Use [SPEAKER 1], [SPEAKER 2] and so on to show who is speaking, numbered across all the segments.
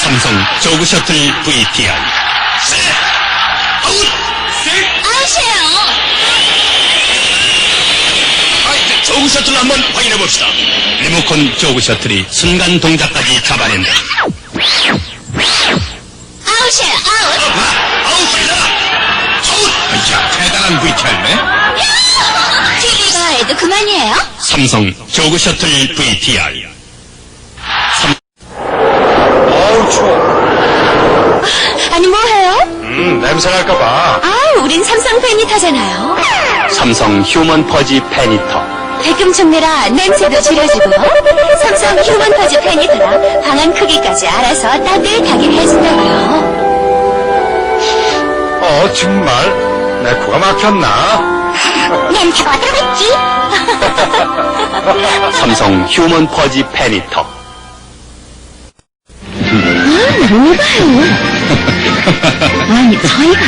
[SPEAKER 1] 삼성 조그 셔틀 VTI.
[SPEAKER 2] 아웃이에요.
[SPEAKER 1] 조그 셔틀 한번 확인해 봅시다. 리모컨 조그 셔틀이 순간 동작까지 잡아낸다.
[SPEAKER 2] 아웃이에요. 아웃.
[SPEAKER 1] 아웃이다. 자, 대단한 VTI네.
[SPEAKER 2] TV가 해도 그만이에요?
[SPEAKER 1] 삼성 조그 셔틀 VTI.
[SPEAKER 3] 어우, 추워.
[SPEAKER 2] 아니 뭐해요?
[SPEAKER 3] 냄새 날까봐.
[SPEAKER 2] 우린 삼성 페니터잖아요.
[SPEAKER 1] 삼성 휴먼 퍼지 페니터.
[SPEAKER 2] 백금 종내라 냄새도 줄여주고 삼성 휴먼 퍼즈 페니터라 방안 크기까지 알아서 따뜻하게 해준다고요.
[SPEAKER 3] 정말? 내 코가 막혔나?
[SPEAKER 2] 냄새가 어떡했지?
[SPEAKER 1] 삼성 휴먼 퍼지 페니터.
[SPEAKER 2] 너무 봐요. 아니 저희가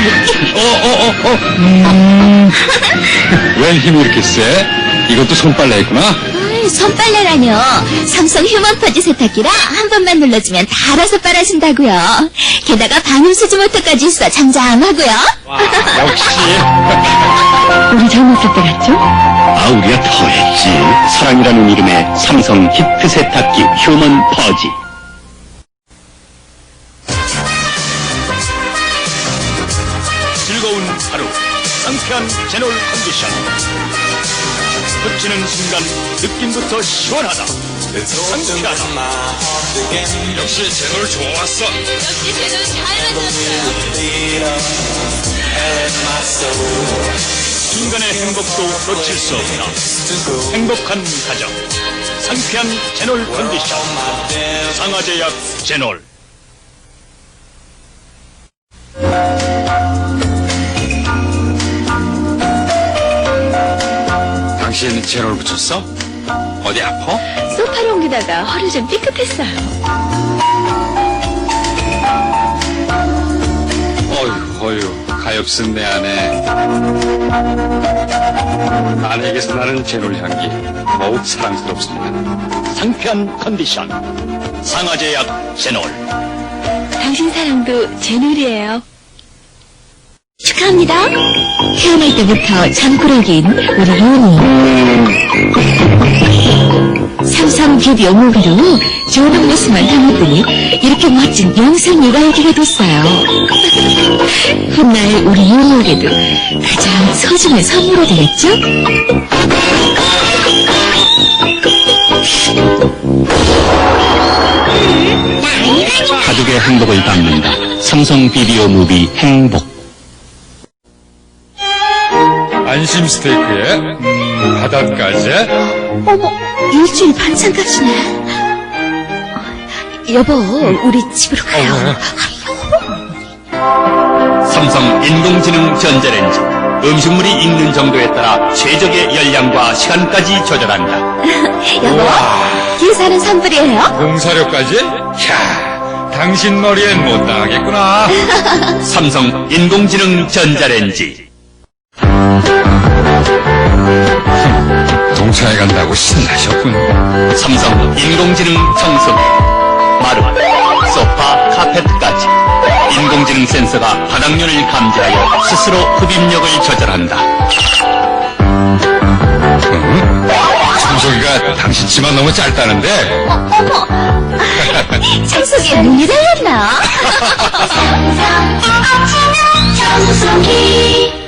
[SPEAKER 3] 웬 힘이 이렇게 세? 이것도 손빨래 했구나?
[SPEAKER 2] 손빨래라뇨. 삼성 휴먼 퍼즈 세탁기라 한 번만 눌러주면 다 알아서 빨아준다고요. 게다가 방음수지 모터까지 있어 잠잠하고요.
[SPEAKER 3] 역시.
[SPEAKER 2] 우리 젊었을 때 같죠?
[SPEAKER 1] 우리가 더 했지. 사랑이라는 이름의 삼성 히트 세탁기 휴먼 퍼지. 즐거운 하루, 상쾌한 제놀 컨디션. 흡치는 순간 느낌부터 시원하다. 상쾌하다. 역시 제놀 좋았어.
[SPEAKER 2] 역시 제놀 잘 만들었어요.
[SPEAKER 1] 순간의 행복도 놓칠 수 없다. 행복한 가정, 상쾌한 제놀 컨디션. 상하제약 제놀.
[SPEAKER 3] 당신 제놀 붙였어? 어디 아파?
[SPEAKER 2] 소파를 옮기다가 허리 좀 삐끗했어요.
[SPEAKER 3] 어휴, 가엾은 내 아내. 아내에게서 나는 제놀 향기 더욱 사랑스럽습니다.
[SPEAKER 1] 상쾌한 컨디션. 상하제약 제놀.
[SPEAKER 2] 당신 사랑도 제놀이에요. 축하합니다. 태어날 때부터 잠꾸러기인 우리 윤이. 삼성 비디오 무비로 좋은 모습만 담았더니 이렇게 멋진 영상 육아하기가 됐어요. 훗날 우리 윤이에게도 가장 소중한 선물이 되겠죠?
[SPEAKER 1] 가족의 행복을 담는다. 삼성 비디오 무비 행복.
[SPEAKER 3] 안심 스테이크에 바닷가재.
[SPEAKER 2] 어머, 일주일 반찬값이네. 여보, 우리 집으로 가요.
[SPEAKER 1] 삼성 인공지능 전자레인지. 음식물이 익는 정도에 따라 최적의 열량과 시간까지 조절한다.
[SPEAKER 2] 여보, 기사는 선불이에요.
[SPEAKER 3] 공사료까지? 캬, 당신 머리엔 못 당하겠구나.
[SPEAKER 1] 삼성 인공지능 전자레인지.
[SPEAKER 3] 동창회 간다고 신나셨군.
[SPEAKER 1] 삼성 인공지능 청소기. 마루, 소파, 카페트까지. 인공지능 센서가 바닥면을 감지하여 스스로 흡입력을 조절한다.
[SPEAKER 3] 청소기가 당신 치마 너무 짧다는데.
[SPEAKER 2] 어머, 청소기에 눈이 달렸나? 청소기